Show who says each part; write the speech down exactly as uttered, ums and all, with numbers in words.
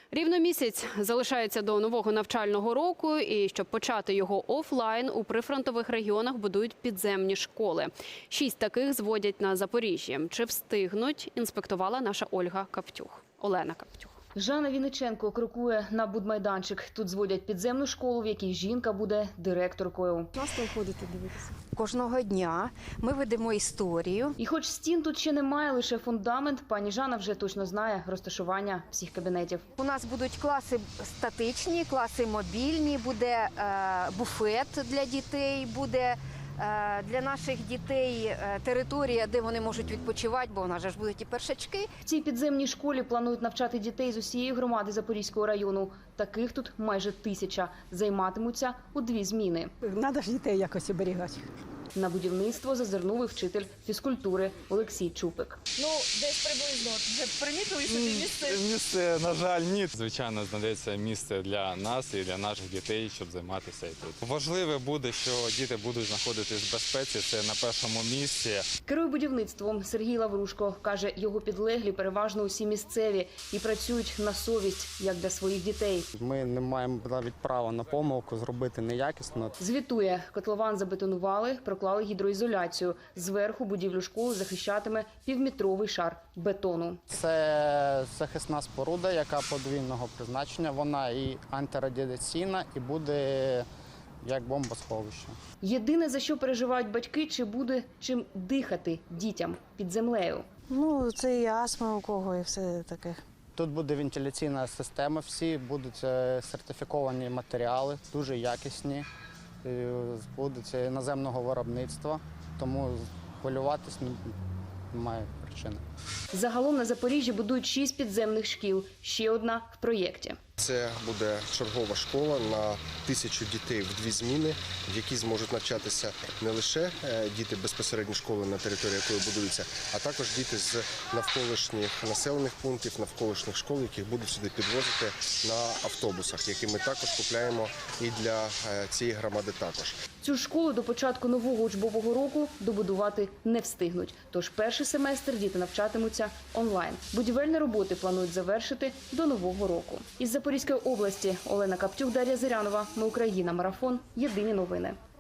Speaker 1: Рівно місяць залишається до нового навчального року, і щоб почати його офлайн, у прифронтових регіонах будують підземні школи. Шість таких зводять на Запоріжжі. Чи встигнуть, інспектувала наша Ольга Каптюх. Олена Каптюх.
Speaker 2: Жанна Вінниченко крокує на будмайданчик. Тут зводять підземну школу, в якій жінка буде директоркою.
Speaker 3: Часто ходите дивитися?
Speaker 4: Кожного дня ми ведемо історію.
Speaker 2: І хоч стін тут ще немає, лише фундамент, пані Жанна вже точно знає розташування всіх кабінетів.
Speaker 4: У нас будуть класи статичні, класи мобільні, буде е, буфет для дітей, буде е, для наших дітей е, територія, де вони можуть відпочивати, бо у нас же ж будуть і першачки.
Speaker 2: В цій підземній школі планують навчати дітей з усієї громади Запорізького району. Таких тут майже тисяча. Займатимуться у дві зміни.
Speaker 3: Треба ж дітей якось оберігати.
Speaker 2: На будівництво зазирнув і вчитель фізкультури Олексій Чупик.
Speaker 5: Ну, десь приблизно. Вже примітили собі місце?
Speaker 6: Місце, на жаль, ні. Звичайно, знайдеться місце для нас і для наших дітей, щоб займатися і тут. Важливе буде, що діти будуть знаходитись в безпеці, це на першому місці.
Speaker 2: Керує будівництвом Сергій Лаврушко. Каже, його підлеглі переважно усі місцеві і працюють на совість, як для своїх дітей.
Speaker 7: Ми не маємо навіть права на помилку зробити неякісно.
Speaker 2: Звітує, котлован забетонували, проклали гідроізоляцію. Зверху будівлю школи захищатиме півметровий шар бетону.
Speaker 7: Це захисна споруда, яка подвійного призначення. Вона і антирадіаційна, і буде як бомбосховище.
Speaker 2: Єдине, за що переживають батьки, чи буде чим дихати дітям під землею.
Speaker 3: Ну, це і астма у кого, і все таке.
Speaker 7: Тут буде вентиляційна система, всі будуть е, сертифіковані матеріали, дуже якісні, е, будуть іноземного виробництва, тому хвилюватись немає причини.
Speaker 2: Загалом на Запоріжжі будують шість підземних шкіл, ще одна в проєкті.
Speaker 8: Це буде чергова школа на тисячу дітей в дві зміни, в якій зможуть навчатися не лише діти безпосередньо школи, на території якої будуються, а також діти з навколишніх населених пунктів, навколишніх школ, яких будуть сюди підвозити на автобусах, які ми також купляємо і для цієї громади також.
Speaker 2: Цю школу до початку нового учбового року добудувати не встигнуть. Тож перший семестр діти навчатимуться онлайн. Будівельні роботи планують завершити до нового року. Із Запорізької області Олена Каптюх, Дар'я Зирянова. Ми Україна. Марафон. Єдині новини.